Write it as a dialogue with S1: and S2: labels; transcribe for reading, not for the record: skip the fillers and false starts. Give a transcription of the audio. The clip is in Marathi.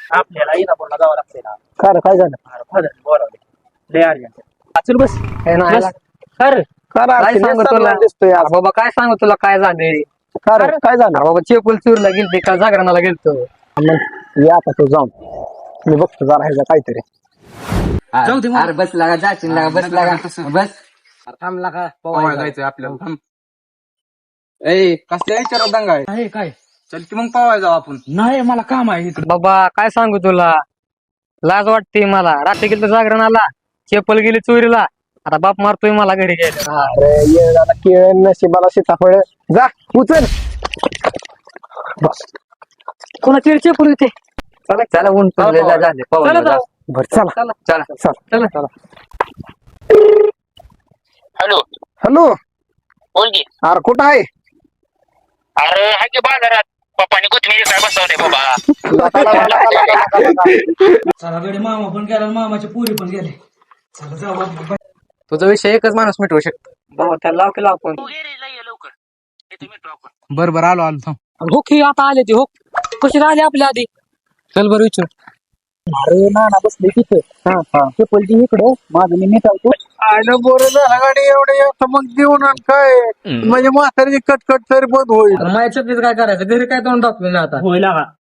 S1: आपल्याला इंदापूरला जावं लागतंय ना.
S2: खरं काय झालं?
S1: अरे फादर बोलावले लय अर्जंट. चल बस.
S3: हे नाही
S1: बस. खरं
S2: खरं
S3: काय सांगू तुला
S2: दिसतोय आज.
S3: बाबा, काय सांगू तुला काय झालंय.
S2: खरं काय झालं?
S3: बाबा चेपल चूरला गेलते का जागरणाला गेलतो.
S2: मग या आता तू जाऊन मी बघतो जरा ह्याचं काहीतरी.
S1: जाऊ दे मग.
S4: अरे बस लागा जाशील लागा बस लागा बस
S3: थांबला का
S4: पवायला जायचंय आपल्याला थांब. ए कसल्या विचारात दंगा आहे?
S1: आहे काय?
S4: चल की मग पवायला जाऊ आपण.
S1: नाही मला काम आहे इकडे.
S3: बाबा काय सांगू तुला, लाज वाटते मला. रात्री गेलं जागरणाला, चेपल गेली चोरीला, आता बाप मारतोय मला घरी गेला.
S2: अरे ये झाला केळ नशिबाला सीताफळ. जा उचल. बस
S3: कोणाची चेपल होते.
S4: चला चला ऊन पडले झाले पवायला
S3: चला
S4: जा.
S2: बर चला
S4: चला
S2: चल
S3: चला.
S5: Hello
S2: hello.
S5: बोल की.
S2: अरे कुठं आहे?
S5: अरे हा की बाजारात पप्पानी कोथमीर काय बसवलंय बाबा.
S1: चला गडी मामा पण गेला आणि मामाची पुरी पण गेले. चला जाऊ आपण.
S4: तुझा विषय एकच माणूस मिटवू शकतो.
S3: बाबा त्याला लाव की लाव पण.
S5: तू गॅरेजला ये लवकर. इथे भेटू आपण.
S4: बरं आलो थांब.
S3: हो की आता आले ते हो. कशी राहिले आपल्या आधी.
S4: चल बरं विचार.
S2: अरे नाना बसले तिथे. चप्पलची इकडं माझं मी निघालतो.
S6: आयला बरं झालं गाडी एवढे मग देऊन आण काय म्हणजे म्हातारीची कटकट तरी बंद होईल.
S3: माझ्या चपलीच काय करायचं, घरी काय तोंड दाखवेल आता.
S1: होय लागा.